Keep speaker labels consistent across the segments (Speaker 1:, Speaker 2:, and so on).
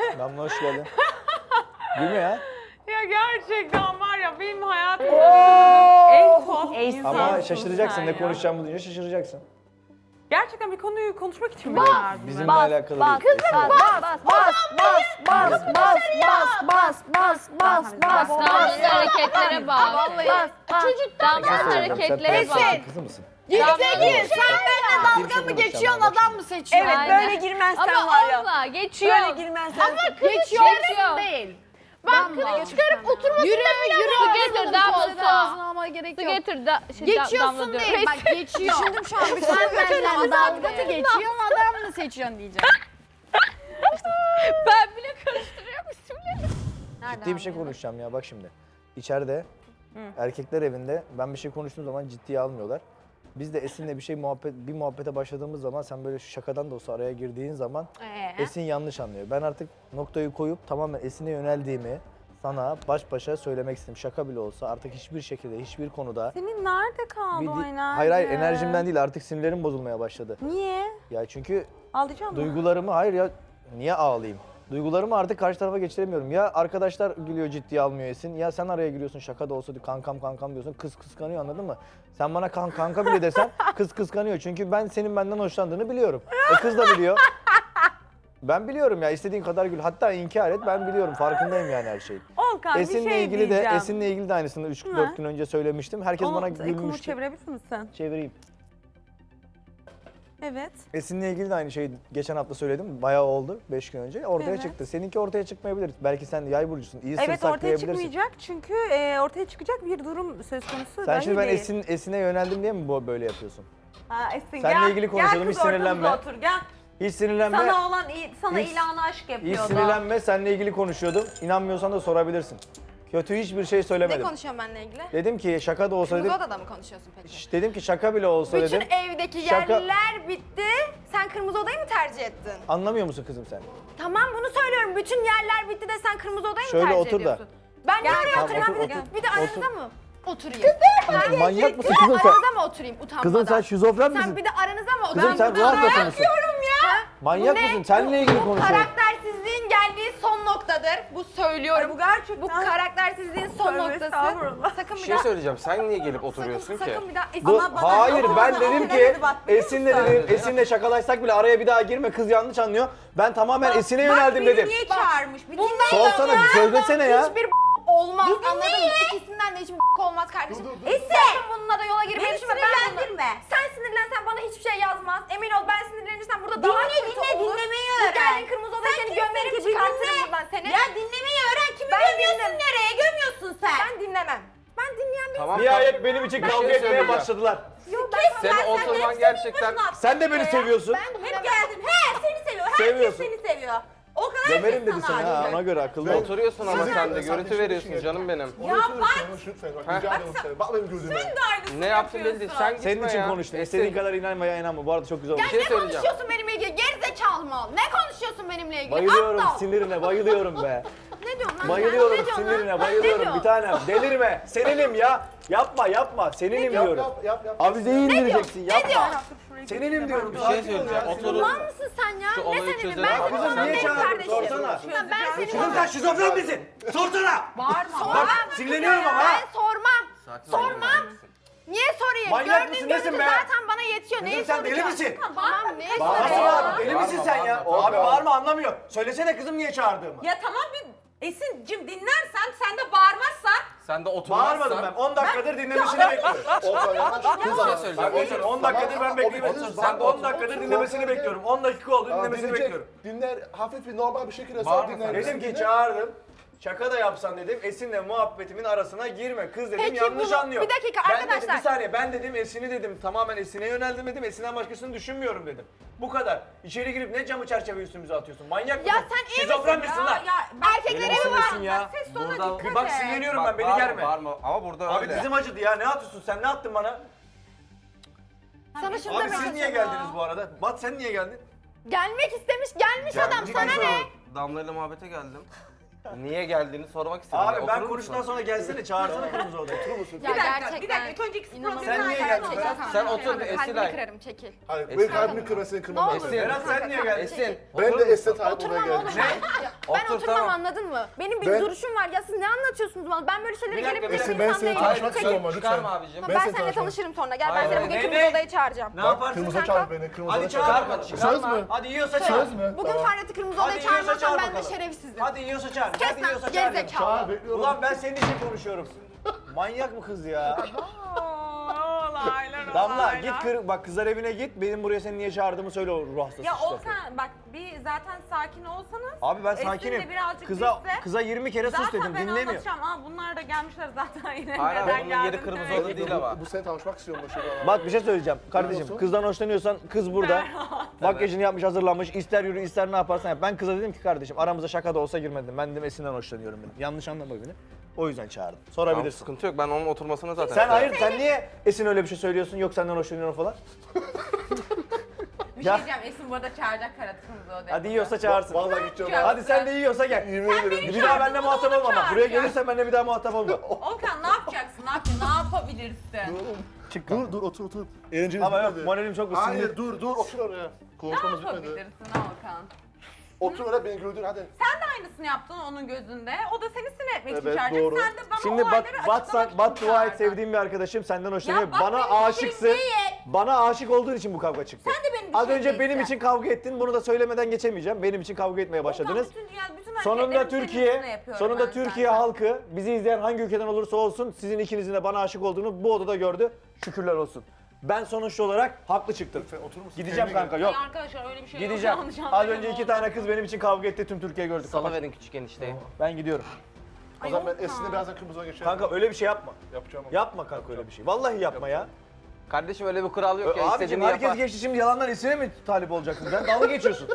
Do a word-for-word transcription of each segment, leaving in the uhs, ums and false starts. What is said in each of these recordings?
Speaker 1: Damla hoş geldin. Gülme ya.
Speaker 2: Ya gerçekten var ya benim hayatımda en tuhaf insansın
Speaker 1: Ama şaşıracaksın
Speaker 2: sen
Speaker 1: ne
Speaker 2: ya.
Speaker 1: konuşacağımı duyunca şaşıracaksın.
Speaker 2: Gerçekten bir konuyu konuşmak için mi çağırdın
Speaker 1: Bizimle
Speaker 2: beni?
Speaker 1: alakalı
Speaker 3: Bas,
Speaker 1: değil.
Speaker 3: bas, bas, bas, bas, bas, bas, bas, bas, bas, bas,
Speaker 4: Damla'nın hareketlere bak.
Speaker 3: bas, bas.
Speaker 4: Çocuk Damla'nın
Speaker 1: Sen
Speaker 4: hareketlere bak.
Speaker 1: prenses kızı mısın?
Speaker 3: Peki sen benimle dalga mı geçiyorsun, adam mı seçiyorsun?
Speaker 4: Evet, böyle
Speaker 3: girmezsen
Speaker 4: Ama abla geçiyor.
Speaker 3: Böyle girmezsen.
Speaker 4: Ama kızı
Speaker 3: geçiyorsun
Speaker 4: değil. Bak kızı çıkarıp oturmasında
Speaker 3: Yürü,
Speaker 4: bile
Speaker 3: yürü.
Speaker 4: Su getir Damla su.
Speaker 3: almaya gerek
Speaker 4: Su
Speaker 3: yok.
Speaker 4: getir da, şey, da- Damla
Speaker 3: Geçiyorsun
Speaker 4: diyorum.
Speaker 3: değil, bak geçiyor. Düşündüm şu an, sen benimle dalga mı geçiyorsun, adam mı seçiyorsun diyeceğim.
Speaker 4: Ben bile karıştırıyormuşum.
Speaker 1: Ciddi bir şey konuşacağım ya bak şimdi. İçeride erkekler evinde ben bir şey konuştuğum zaman ciddiye almıyorlar. Biz de Esin'le bir şey muhabbet bir muhabbete başladığımız zaman sen böyle şu şakadan da olsa araya girdiğin zaman Esin yanlış anlıyor. Ben artık noktayı koyup tamamen Esin'e yöneldiğimi sana baş başa söylemek istedim. Şaka bile olsa artık hiçbir şekilde hiçbir konuda
Speaker 2: Senin nerede kaldı
Speaker 1: bir
Speaker 2: o
Speaker 1: di-
Speaker 2: enerji?
Speaker 1: hayır hayır enerjimden değil artık sinirlerim bozulmaya başladı.
Speaker 2: Niye?
Speaker 1: Ya çünkü
Speaker 2: Ağlayacağım mı?
Speaker 1: duygularımı hayır ya niye ağlayayım? Duygularımı artık karşı tarafa geçiremiyorum. Ya arkadaşlar gülüyor ciddiye almıyor Esin. Ya sen araya giriyorsun şaka da olsa diyor, kankam kankam diyorsun. Kız kıskanıyor anladın mı? Sen bana kan, kanka bile desen kız kıskanıyor. Çünkü ben senin benden hoşlandığını biliyorum. E kız da biliyor. Ben biliyorum ya istediğin kadar gül. Hatta inkar et ben biliyorum. Farkındayım yani her şeyin.
Speaker 2: Olkan
Speaker 1: Esin'le
Speaker 2: bir şey
Speaker 1: ilgili
Speaker 2: diyeceğim.
Speaker 1: de Esin'le ilgili de aynısını üç dört gün önce söylemiştim. Herkes
Speaker 2: Onu,
Speaker 1: bana
Speaker 2: Ekunu
Speaker 1: gülmüştü.
Speaker 2: çevirebilir misin?
Speaker 1: Çevireyim.
Speaker 2: Evet.
Speaker 1: Esin'le ilgili de aynı şeyi geçen hafta söyledim. Bayağı oldu beş gün önce. Ortaya
Speaker 2: Evet.
Speaker 1: çıktı. Seninki ortaya çıkmayabilir. Belki sen yay burcusun. İyi sır
Speaker 2: Evet ortaya
Speaker 1: saklayabilirsin.
Speaker 2: çıkmayacak çünkü e, ortaya çıkacak bir durum söz konusu
Speaker 1: Sen
Speaker 2: dahi
Speaker 1: şimdi ben
Speaker 2: değil.
Speaker 1: Esin, Esin'e yöneldim diye mi bu böyle yapıyorsun?
Speaker 2: Ha, Esin
Speaker 1: Seninle
Speaker 2: gel.
Speaker 1: ilgili konuşalım,
Speaker 2: Gel
Speaker 1: hiç
Speaker 2: kız
Speaker 1: sinirlenme.
Speaker 2: ortamıza otur gel.
Speaker 1: Hiç sinirlenme.
Speaker 2: Sana olan iyi- sana
Speaker 1: Hiç-
Speaker 2: ilanı aşk
Speaker 1: Hiç
Speaker 2: yapıyordu.
Speaker 1: sinirlenme. Seninle ilgili konuşuyordum. İnanmıyorsan da sorabilirsin. Kötü hiçbir şey
Speaker 3: Ne
Speaker 1: söylemedim.
Speaker 3: konuşuyorsun benimle ilgili?
Speaker 1: Dedim ki şaka da olsa
Speaker 3: Kırmızı
Speaker 1: dedim.
Speaker 3: odada mı konuşuyorsun peki?
Speaker 1: Şş, Dedim ki şaka bile olsa
Speaker 3: Bütün
Speaker 1: dedim.
Speaker 3: evdeki
Speaker 1: Şaka-
Speaker 3: yerler bitti. Sen kırmızı odayı mı tercih ettin?
Speaker 1: Anlamıyor musun kızım sen?
Speaker 3: Tamam bunu söylüyorum. Bütün yerler bitti de sen kırmızı odayı mı
Speaker 1: Şöyle
Speaker 3: tercih
Speaker 1: otur da.
Speaker 3: ediyorsun? Ben niye oraya
Speaker 1: Tamam,
Speaker 3: oturayım?
Speaker 1: otur,
Speaker 3: Bir de-
Speaker 1: otur.
Speaker 3: Bir de aranızda
Speaker 1: Otur.
Speaker 3: mı oturayım?
Speaker 1: Manyak mısın kızım sen?
Speaker 3: Aranızda mı oturayım utanmadan?
Speaker 1: Kızım sen şizofren misin?
Speaker 3: Sen bir de aranızda mı
Speaker 1: Kızım
Speaker 3: oturayım?
Speaker 1: sen ruh hastası mısın?
Speaker 3: Ha?
Speaker 1: Manyak
Speaker 3: Bu ne?
Speaker 1: mısın? Seninle ilgili
Speaker 3: Bu
Speaker 1: konuşuyorum.
Speaker 3: karaktersizliğin geldiği son noktadır. Bu söylüyorum.
Speaker 2: Bu gerçekten.
Speaker 3: Bu karaktersizliğin son
Speaker 2: Tövbe
Speaker 3: noktası.
Speaker 2: estağfurullah.
Speaker 3: Sakın
Speaker 5: Bir
Speaker 3: bir
Speaker 5: şey
Speaker 3: daha...
Speaker 5: söyleyeceğim. Sen niye gelip oturuyorsun
Speaker 3: sakın,
Speaker 5: ki?
Speaker 3: sakın bir daha...
Speaker 1: Bu-
Speaker 2: Ama bana-
Speaker 1: hayır
Speaker 2: ama
Speaker 1: ben
Speaker 2: bana
Speaker 1: dedim
Speaker 2: ne
Speaker 1: ki
Speaker 2: dedi bak, biliyor
Speaker 1: Esin'le
Speaker 2: musun?
Speaker 1: dedim Esin'le şakalaşsak bile araya bir daha girme kız yanlış anlıyor. Ben tamamen Esin'e yöneldim
Speaker 2: bak,
Speaker 1: dedim.
Speaker 2: Bak niye çağırmış? Bir
Speaker 3: Bundan
Speaker 2: dinle.
Speaker 1: Sorsana bir söylesene ya.
Speaker 3: Hiçbir olmaz anladın mı? İkisinden de hiçbir olmaz kardeşim. Esin! Sakın bununla da yola girmeyi
Speaker 2: Beni
Speaker 3: düşünme. Ben bunu-
Speaker 2: sinirlendirme.
Speaker 3: Sen sinirlensen bana hiçbir şey yazmaz. Emin ol ben sinirlenirsem burada daha
Speaker 2: Dinle,
Speaker 3: kötü
Speaker 2: dinle,
Speaker 3: olur.
Speaker 2: dinlemeyi
Speaker 3: Bu
Speaker 2: öğren.
Speaker 3: geldin kırmızı odaya
Speaker 2: Sen
Speaker 3: seni
Speaker 2: kimsin
Speaker 3: gömerim
Speaker 2: ki? Bir
Speaker 3: çıkartırım
Speaker 2: dinle.
Speaker 3: buradan seni.
Speaker 2: Ya dinlemeyi öğren. Kimi
Speaker 3: Ben
Speaker 2: gömüyorsun
Speaker 3: dinlem-
Speaker 2: nereye? Gömüyorsun sen.
Speaker 3: Ben dinlemem. Ben dinleyen bir
Speaker 5: Tamam.
Speaker 1: Nihayet benim için
Speaker 5: Bir
Speaker 1: kavga
Speaker 5: şey
Speaker 1: etmeye
Speaker 5: söyleyeceğim.
Speaker 1: başladılar.
Speaker 3: Yok ben
Speaker 5: Senin oturman gerçekten...
Speaker 1: Sen de beni seviyorsun.
Speaker 3: Ben
Speaker 2: Hep
Speaker 3: dinlemem.
Speaker 2: geldin. He seni seviyor. Herkes
Speaker 1: Seviyorsun.
Speaker 2: seni seviyor. O kadar
Speaker 1: Gömerim dedi
Speaker 2: herkes
Speaker 1: seni
Speaker 2: sana
Speaker 1: ha
Speaker 2: aşık.
Speaker 1: ona göre akıllı ol.
Speaker 5: Oturuyorsun ama sen de görüntü veriyorsun canım benim.
Speaker 2: Ya bak.
Speaker 6: Lütfen bak rica ederim seni. Bak benim gözüme.
Speaker 2: Sen de aynısını
Speaker 5: Ne yaptın
Speaker 2: yapıyorsun.
Speaker 5: belli. Sen
Speaker 1: Senin
Speaker 5: gitme
Speaker 1: için
Speaker 5: ya.
Speaker 1: konuştum.
Speaker 5: Esin.
Speaker 1: İstediğin kadar inanma ya inanma. Bu arada çok güzel
Speaker 3: Ya
Speaker 1: olmuş.
Speaker 5: şey
Speaker 3: ne
Speaker 5: söyleyeceğim.
Speaker 3: konuşuyorsun benimle ilgili? Gerizekalı mı ol? Ne konuşuyorsun benimle ilgili?
Speaker 1: Bayılıyorum
Speaker 3: Aptal.
Speaker 1: sinirine bayılıyorum be.
Speaker 3: Ne diyorsun lan?
Speaker 1: Bayılıyorum
Speaker 3: sen? Ne diyorsun lan?
Speaker 1: sinirine
Speaker 3: Lan ne
Speaker 1: bayılıyorum
Speaker 3: diyorsun?
Speaker 1: bir tanem. Delirme. Seninim ya. Yapma yapma. Seninim
Speaker 6: Yap
Speaker 1: diyorum.
Speaker 6: yap yap yap.
Speaker 1: Avizeyi indireceksin
Speaker 3: Ne
Speaker 1: yapma.
Speaker 3: diyorsun?
Speaker 1: Seninim diyorum.
Speaker 5: Bir şey söyleyeceğim. Oturun.
Speaker 3: Ulan mısın sen ya?
Speaker 5: Şu
Speaker 3: Ne
Speaker 5: olayı
Speaker 3: senin?
Speaker 5: çözelim.
Speaker 3: Ben
Speaker 5: Abi
Speaker 3: senin
Speaker 5: sen
Speaker 3: olan
Speaker 1: niye
Speaker 3: benim
Speaker 1: çağırdın?
Speaker 3: kardeşim.
Speaker 1: Sorsana.
Speaker 3: Ya ben senin
Speaker 1: Kızım sen şizofren misin? Sorsana.
Speaker 2: Bağırma.
Speaker 1: Bak sinirleniyorum ama ha.
Speaker 3: Ben sormam. Sormam. Niye sorayım?
Speaker 1: Manyak
Speaker 3: Gördüğün
Speaker 1: mısın,
Speaker 3: görüntü
Speaker 1: nesin be?
Speaker 3: zaten bana yetiyor. Neyi
Speaker 1: Kızım sen deli
Speaker 3: soracağım?
Speaker 1: misin?
Speaker 3: Tamam neyi
Speaker 1: Bağırma
Speaker 3: soracağım?
Speaker 1: abi. Deli misin
Speaker 5: Bağırma,
Speaker 1: sen ya?
Speaker 5: bağırma.
Speaker 1: Abi bağırma anlamıyor. Söylesene kızım niye çağırdığımı.
Speaker 2: Ya tamam bir Esin'cim dinlersen sen de bağırmazsan.
Speaker 5: Sen de oturmazsan...
Speaker 1: Bağırmadım ben. on dakikadır dinlemesini bekliyorum.
Speaker 6: Olsan yanlış.
Speaker 5: Bir şey
Speaker 1: Bak
Speaker 5: söyleyeceğim.
Speaker 1: otur on dakikadır ben bekliyorum.
Speaker 6: Otur,
Speaker 1: Sen
Speaker 6: otur,
Speaker 1: on
Speaker 6: otur.
Speaker 1: dakikadır dinlemesini bekliyorum. on dakika oldu
Speaker 6: Aa,
Speaker 1: dinlemesini
Speaker 6: dinleyecek.
Speaker 1: bekliyorum.
Speaker 6: Dinler hafif bir normal bir şekilde sor
Speaker 5: Bağırma
Speaker 6: dinler.
Speaker 1: Dedim ki çağırdım. Şaka da yapsan dedim Esin'le muhabbetimin arasına girme. Kız dedim
Speaker 3: Peki
Speaker 1: yanlış
Speaker 3: bunu-
Speaker 1: anlıyor.
Speaker 3: bir dakika
Speaker 1: ben
Speaker 3: arkadaşlar.
Speaker 1: Dedim, bir saniye ben dedim Esin'i dedim tamamen Esin'e yöneldim dedim. Esin'den başkasını düşünmüyorum dedim. Bu kadar. İçeri girip ne camı çerçeve üstümüze atıyorsun? Manyak
Speaker 3: Ya
Speaker 1: mısın?
Speaker 3: sen iyi
Speaker 1: Şizofren
Speaker 3: misin
Speaker 1: misin lan?
Speaker 3: Erkeklere
Speaker 1: Deli
Speaker 3: mi
Speaker 1: misin
Speaker 3: var?
Speaker 1: ya?
Speaker 3: Ses tonu
Speaker 5: Burada-
Speaker 3: dikkat
Speaker 1: Bak
Speaker 3: et.
Speaker 1: sinirleniyorum
Speaker 5: Bak,
Speaker 1: ben beni
Speaker 5: bağırma,
Speaker 1: germe.
Speaker 5: Bağırma. Ama burada
Speaker 1: Abi
Speaker 5: öyle.
Speaker 1: dizim acıdı ya ne atıyorsun sen ne attın bana?
Speaker 3: Sana şunu
Speaker 1: Abi
Speaker 3: demek
Speaker 1: siz niye
Speaker 3: istiyorum.
Speaker 1: geldiniz bu arada? Bat sen niye geldin?
Speaker 3: Gelmek istemiş gelmiş adam
Speaker 1: Ciddi
Speaker 3: sana ne?
Speaker 1: soruyorum.
Speaker 5: Damla'yla muhabbete geldim. Niye geldiğini sormak istedim.
Speaker 1: Abi
Speaker 5: Ya,
Speaker 1: ben
Speaker 5: oturur
Speaker 1: konuştuktan
Speaker 5: musun?
Speaker 1: sonra gelsene çağırsana kırmızı odaya. Oturur musun?
Speaker 3: Ya
Speaker 2: Bir dakika,
Speaker 3: gerçekten.
Speaker 2: bir dakika. İlk önce ikisi
Speaker 3: İnanılmaz.
Speaker 2: problemin
Speaker 1: Sen niye
Speaker 2: arkasında
Speaker 1: geldin?
Speaker 2: olacak.
Speaker 5: Sen otur
Speaker 3: Kanka,
Speaker 5: bir
Speaker 3: kalbini
Speaker 5: Esilay.
Speaker 3: kırarım çekil.
Speaker 6: Hayır
Speaker 5: Esin.
Speaker 6: benim kalbimi kırma seni
Speaker 3: Ne
Speaker 6: kırmam
Speaker 3: olur.
Speaker 6: lazım.
Speaker 1: Berat sen niye geldin?
Speaker 5: Esin.
Speaker 6: Ben
Speaker 5: oturur
Speaker 6: de
Speaker 5: musun?
Speaker 6: estet hayır buraya
Speaker 3: Oturmam oğlum
Speaker 6: geldim.
Speaker 3: ben. Ya, Ben
Speaker 5: Otur,
Speaker 3: oturmam
Speaker 5: tamam.
Speaker 3: anladın mı? Benim bir
Speaker 6: Ben-
Speaker 3: duruşum var. Ya siz ne anlatıyorsunuz bana? Ben böyle şeyleri
Speaker 5: Bir dakika,
Speaker 3: gelip
Speaker 5: bir
Speaker 3: bir
Speaker 6: dakika. Ben
Speaker 3: insan
Speaker 6: seni
Speaker 3: değilim.
Speaker 6: tanışmak
Speaker 3: Çekil.
Speaker 6: istiyorum ama lütfen.
Speaker 5: Çıkarma abicim.
Speaker 3: Ben,
Speaker 6: Ben
Speaker 3: ben
Speaker 6: seni
Speaker 3: seninle
Speaker 6: tanışmak-
Speaker 3: tanışırım sonra. Gel
Speaker 5: Hayır,
Speaker 3: ben seni
Speaker 5: hayır.
Speaker 3: bugün
Speaker 2: Ne,
Speaker 3: kırmızı
Speaker 2: ne?
Speaker 3: odaya çağıracağım.
Speaker 2: Ne yaparsın?
Speaker 6: Kırmızı
Speaker 3: Sen
Speaker 6: çağır
Speaker 3: kalk.
Speaker 6: beni. Kırmızı
Speaker 2: Hadi
Speaker 6: odaya
Speaker 2: çağır
Speaker 6: çağır.
Speaker 2: bakalım.
Speaker 6: Söz mü?
Speaker 2: Hadi yiyorsa çağır.
Speaker 6: Söz mü?
Speaker 3: Bugün
Speaker 6: Tamam.
Speaker 3: Ferhat'ı kırmızı
Speaker 2: Hadi
Speaker 3: odaya
Speaker 2: yiyorsa
Speaker 3: çağırmazsam
Speaker 2: çağır
Speaker 3: ben de
Speaker 2: bakalım.
Speaker 3: şerefsizim.
Speaker 2: Hadi yiyorsa çağır.
Speaker 3: Kes
Speaker 2: Hadi
Speaker 3: lan
Speaker 2: yiyorsa çağır.
Speaker 3: gerizekalı.
Speaker 6: Çağır bekliyorum.
Speaker 1: Ulan ben senin için konuşuyorum. Manyak mı kız ya?
Speaker 2: Olaylar,
Speaker 1: Damla
Speaker 2: olaylar.
Speaker 1: git kır, bak kızlar evine git. Benim buraya seni niye çağırdığımı söyle o ruh hastası.
Speaker 2: Ya
Speaker 1: işte.
Speaker 2: Olkan bak bir zaten sakin olsanız.
Speaker 1: Abi ben
Speaker 2: Esin de
Speaker 1: sakinim.
Speaker 2: birazcık
Speaker 1: Kıza
Speaker 2: bizse-
Speaker 1: kıza yirmi kere sus
Speaker 2: Zaten
Speaker 1: dedim
Speaker 2: ben
Speaker 1: dinlemiyor.
Speaker 2: anlatacağım. Aa bunlar da gelmişler zaten yine.
Speaker 5: Hayır abi,
Speaker 2: Neden
Speaker 5: bunun yeri
Speaker 2: geldin
Speaker 5: kırmızı
Speaker 2: demek.
Speaker 5: oda değil ama.
Speaker 6: Bu seni tanışmak istiyorum Başarı.
Speaker 1: Bak bir şey söyleyeceğim kardeşim.
Speaker 6: olsun?
Speaker 1: Kızdan hoşlanıyorsan kız burada. Makyajını yapmış, hazırlanmış. İster yürü, ister ne yaparsan yap. Ben kıza dedim ki kardeşim aramıza şaka da olsa girmedim. Ben dedim Esin'den hoşlanıyorum dedim. Yanlış anlama beni. O yüzden çağırdım.
Speaker 5: Tamam,
Speaker 1: Sorabilirsin.
Speaker 5: sıkıntı yok. Ben onun oturmasını zaten...
Speaker 1: Sen hayır, sen niye Esin öyle bir şey söylüyorsun? Yok senden hoşlanıyorum falan.
Speaker 2: Bir
Speaker 1: Ya.
Speaker 2: şey diyeceğim. Esin bu arada çağıracak Ferhat kırmızı odaya.
Speaker 1: Hadi yiyorsa çağırsın.
Speaker 6: Vallahi gideceğim.
Speaker 2: Ya.
Speaker 1: Hadi sen de yiyorsa gel.
Speaker 6: Yemin ederim.
Speaker 1: Bir daha benimle muhatap olma bak.
Speaker 2: çağır
Speaker 1: Buraya
Speaker 2: ya.
Speaker 1: gelirsen benimle bir daha muhatap olma.
Speaker 2: Olkan ne yapacaksın? Ne yapacaksın? Ne yapabilirsin?
Speaker 1: Çık
Speaker 6: Dur dur otur otur. Eğlenceli
Speaker 1: Ama yok
Speaker 6: bitmedi.
Speaker 1: moralim çok ısındı.
Speaker 6: Hayır dur dur otur oraya.
Speaker 2: Ne
Speaker 6: Konuşmamız bitmedi.
Speaker 2: yapabilirsin Olkan?
Speaker 6: Otur oraya beni güldür hadi.
Speaker 2: Sen de aynısını yaptın onun gözünde. O da seni sinir etmek için
Speaker 6: Evet,
Speaker 2: çağıracak.
Speaker 6: doğru.
Speaker 2: Sen de bana
Speaker 1: Şimdi bat,
Speaker 2: olayları
Speaker 1: bat,
Speaker 2: açıklamak
Speaker 1: sen, bat
Speaker 2: için
Speaker 1: dua et
Speaker 2: çağırdın.
Speaker 1: sevdiğim bir arkadaşım senden hoşlanıyor.
Speaker 2: Ya bak
Speaker 1: Bana
Speaker 2: benim işim
Speaker 1: aşıksın.
Speaker 2: değil.
Speaker 1: Bana aşık olduğun için bu kavga çıktı.
Speaker 2: Sen de benim
Speaker 1: Az
Speaker 2: işim
Speaker 1: önce benim
Speaker 2: değilsin.
Speaker 1: için kavga ettin. Bunu da söylemeden geçemeyeceğim. Benim için kavga etmeye başladınız.
Speaker 2: Olkan, bütün, yani bütün
Speaker 1: Sonunda
Speaker 2: hareketlerimi senin
Speaker 1: Türkiye,
Speaker 2: üstüne yapıyorum
Speaker 1: sonunda
Speaker 2: ben
Speaker 1: Türkiye
Speaker 2: zaten.
Speaker 1: halkı bizi izleyen hangi ülkeden olursa olsun sizin ikinizin de bana aşık olduğunu bu odada gördü. Şükürler olsun. Ben sonuçta olarak haklı çıktım.
Speaker 6: Lütfen oturur musun?
Speaker 1: Gideceğim
Speaker 6: Kendine
Speaker 1: kanka
Speaker 6: gel.
Speaker 1: yok.
Speaker 2: Ay arkadaşlar öyle bir şey yok.
Speaker 1: Gideceğim.
Speaker 2: Yanlış
Speaker 1: Az
Speaker 2: anlayın
Speaker 1: önce iki
Speaker 2: oldu.
Speaker 1: tane kız benim için kavga etti. Tüm Türkiye gördü.
Speaker 5: Salı
Speaker 1: Kapat.
Speaker 5: verin küçük enişteyi.
Speaker 1: Ben gidiyorum.
Speaker 6: O zaman ben Esin'le birazdan kırmızıya geçerim.
Speaker 1: Kanka öyle bir şey yapma.
Speaker 6: Yapacağım ama.
Speaker 1: Yapma kanka öyle bir şey. Vallahi yapma ya.
Speaker 5: Kardeşim öyle bir kural yok ya.
Speaker 1: Abicim
Speaker 5: İstediğini
Speaker 1: herkes
Speaker 5: yapar.
Speaker 1: geçti şimdi yalandan Esin'e mi talip olacaksın? Sen dalga geçiyorsun.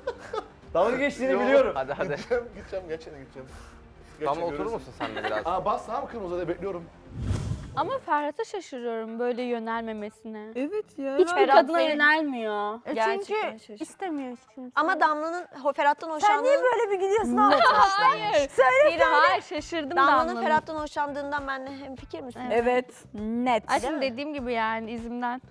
Speaker 1: Dalga geçtiğini
Speaker 6: Yok.
Speaker 1: biliyorum.
Speaker 5: Hadi hadi.
Speaker 6: Gideceğim gideceğim gerçekten gideceğim.
Speaker 5: Tamam
Speaker 6: Gerçekten
Speaker 5: oturur
Speaker 6: görürsün.
Speaker 5: musun sen de biraz?
Speaker 6: Aa bas tamam kırmızı odaya bekliyorum.
Speaker 4: Ama Ferhat'a şaşırıyorum böyle yönelmemesine.
Speaker 7: Evet ya.
Speaker 4: Hiçbir
Speaker 3: Ferhat
Speaker 4: kadına
Speaker 3: Bey-
Speaker 4: yönelmiyor.
Speaker 7: E
Speaker 3: Gerçekten
Speaker 7: çünkü
Speaker 3: şaşırdım.
Speaker 7: istemiyor çünkü.
Speaker 3: Ama Damla'nın ho- Ferhat'tan
Speaker 7: sen
Speaker 3: hoşlandığını...
Speaker 7: niye böyle bir gidiyorsun abi?
Speaker 4: Hayır. Hayır, hayır şaşırdım
Speaker 3: Damla'nın
Speaker 4: Damla'nın.
Speaker 3: Ferhat'tan hoşlandığından benimle hemfikir misin?
Speaker 7: Evet. Net.
Speaker 4: Aşkım dediğim gibi yani izimden.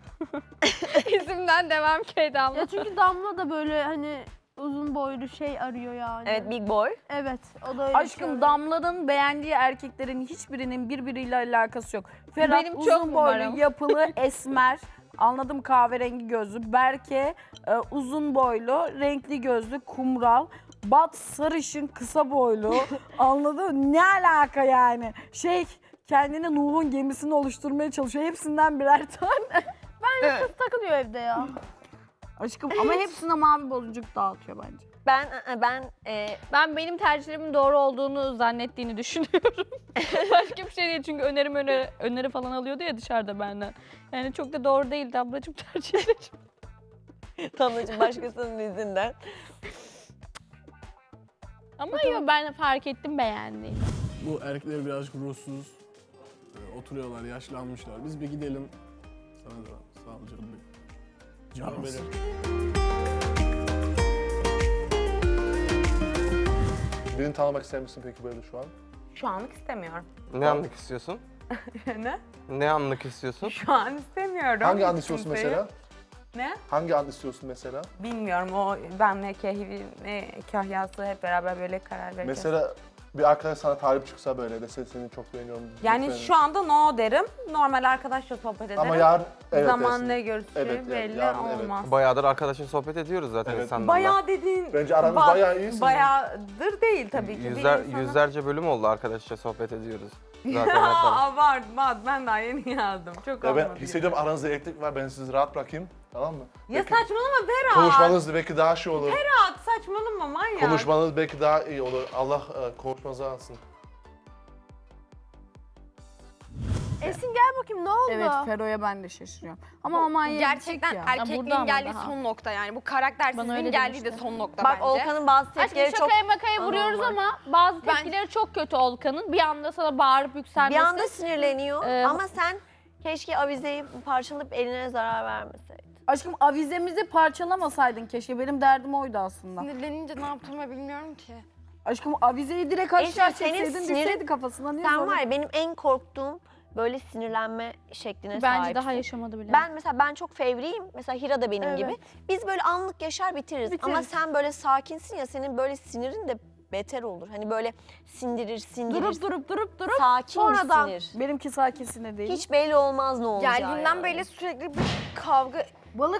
Speaker 4: izimden devam ki Damla.
Speaker 7: Ya çünkü Damla da böyle hani uzun boylu şey arıyor yani.
Speaker 3: Evet, big boy.
Speaker 7: Evet. O da öyle
Speaker 8: Aşkım
Speaker 7: söylüyor.
Speaker 8: Damla'nın beğendiği erkeklerin hiçbirinin birbiriyle alakası yok. Ferhat
Speaker 4: Benim çok
Speaker 8: uzun boylu,
Speaker 4: numaram.
Speaker 8: yapılı, esmer. Anladım kahverengi gözlü. Berke e, uzun boylu, renkli gözlü, kumral. Bat sarışın, kısa boylu. Anladın mı? Ne alaka yani? Şey kendine Nuh'un gemisini oluşturmaya çalışıyor. Hepsinden birer tane.
Speaker 7: Kız takılıyor evde ya.
Speaker 8: Aşkım ama hepsine mavi boncuk dağıtıyor bence.
Speaker 3: Ben ben e,
Speaker 4: Ben benim tercihlerimin doğru olduğunu zannettiğini düşünüyorum. Başka bir şey değil çünkü önerim öneri, öneri falan alıyordu ya dışarıda benden. Yani çok da doğru değildi ablacığım tercihlerim.
Speaker 3: Damlacığım başkasının izinden.
Speaker 4: Ama yok ben fark ettim beğendiğini.
Speaker 9: Bu erkekler birazcık ruhsuz. Ee, oturuyorlar, yaşlanmışlar. Biz bir gidelim. Sana da sağ ol canım benim. Canım benim.
Speaker 6: Beni tanımak ister misin peki böyle şu an?
Speaker 2: Şu anlık istemiyorum.
Speaker 5: Ne anlık istiyorsun?
Speaker 2: ne?
Speaker 5: Ne anlık istiyorsun?
Speaker 2: Şu an istemiyorum.
Speaker 6: Hangi an
Speaker 2: hiç
Speaker 6: istiyorsun
Speaker 2: kimseyi.
Speaker 6: mesela?
Speaker 2: Ne?
Speaker 6: Hangi an istiyorsun mesela?
Speaker 2: Bilmiyorum o ben ne kehvi ne kahyası hep beraber böyle karar vereceğiz.
Speaker 6: Mesela bir arkadaş sana talip çıksa böyle dese seni çok beğeniyorum.
Speaker 2: yani
Speaker 6: lütfen.
Speaker 2: şu anda no derim. Normal arkadaşla sohbet ederim.
Speaker 6: Ama yarın evet
Speaker 2: Zaman
Speaker 6: dersin.
Speaker 2: ne görüşeceği
Speaker 6: Evet, yani
Speaker 2: belli
Speaker 6: yarın evet.
Speaker 2: olmaz.
Speaker 5: Bayağıdır arkadaşın sohbet ediyoruz zaten
Speaker 6: Evet.
Speaker 5: insanlarla.
Speaker 2: Bayağı dediğin...
Speaker 6: Bence aranız
Speaker 2: bak,
Speaker 6: bayağı iyisiniz.
Speaker 2: Bayağıdır değil tabii ki.
Speaker 5: Yüzler,
Speaker 2: bir insana-
Speaker 5: yüzlerce bölüm oldu arkadaşça sohbet ediyoruz. Zaten hep beraber.
Speaker 2: Aa, var var ben daha yeni yazdım. Çok
Speaker 6: Ya ben
Speaker 2: olmadı.
Speaker 6: hissediyorum aranızda elektrik var. Ben sizi rahat bırakayım. Tamam mı?
Speaker 2: Ya
Speaker 6: Belki
Speaker 2: saçmalama Berat.
Speaker 6: konuşmanız belki daha şey olur.
Speaker 2: Berat saçmalama manyak.
Speaker 6: Konuşmanız belki daha iyi olur. Allah e, konuşmanızı alsın.
Speaker 7: Esin gel bakayım ne oldu?
Speaker 8: Evet Fero'ya ben de şaşırıyorum. Ama aman
Speaker 3: Gerçekten
Speaker 8: ya.
Speaker 3: erkekliğin
Speaker 4: burada ama
Speaker 3: geldiği
Speaker 4: daha.
Speaker 3: son nokta yani. Bu
Speaker 4: Bana
Speaker 3: karaktersizliğin
Speaker 4: öyle
Speaker 3: geldiği de
Speaker 4: demişti.
Speaker 3: son nokta
Speaker 7: Bak
Speaker 3: bence.
Speaker 7: Olkan'ın bazı
Speaker 4: Aşkım
Speaker 7: tepkileri çok...
Speaker 4: şakaya makaya vuruyoruz
Speaker 7: anormal.
Speaker 4: ama bazı
Speaker 3: Ben-
Speaker 4: tepkileri çok kötü Olkan'ın. Bir anda sana bağırıp
Speaker 3: Bir
Speaker 4: yükselmesi.
Speaker 3: anda sinirleniyor
Speaker 4: Ee,
Speaker 3: ama sen keşke avizeyi parçalayıp eline zarar vermeseydin.
Speaker 8: Aşkım avizemizi parçalamasaydın keşke. Benim derdim oydu aslında.
Speaker 3: Sinirlenince ne yaptığımı bilmiyorum ki.
Speaker 8: Aşkım avizeyi direkt aşağı
Speaker 3: Eşref, senin
Speaker 8: çekseydin
Speaker 3: sinirin-
Speaker 8: düşseydi kafasına. Niye
Speaker 3: Sen
Speaker 8: zorla-
Speaker 3: var ya benim en korktuğum böyle sinirlenme şekline
Speaker 4: Bence
Speaker 3: sahipsin.
Speaker 4: daha yaşamadı bile.
Speaker 3: Ben mesela ben çok fevriyim. Mesela Hira da benim
Speaker 7: Evet.
Speaker 3: gibi. Biz böyle anlık yaşar bitiririz.
Speaker 7: Bitiririz.
Speaker 3: Ama sen böyle sakinsin ya senin böyle sinirin de
Speaker 10: beter olur. Hani böyle sindirir sindirir.
Speaker 8: Durup durup durup durup
Speaker 10: sakin
Speaker 8: sonradan
Speaker 10: bir sinir.
Speaker 8: benimki sakin sinir değil.
Speaker 10: Hiç belli olmaz ne olacağı
Speaker 3: Geldiğinden
Speaker 10: yani.
Speaker 3: beri sürekli bir kavga.
Speaker 8: Balık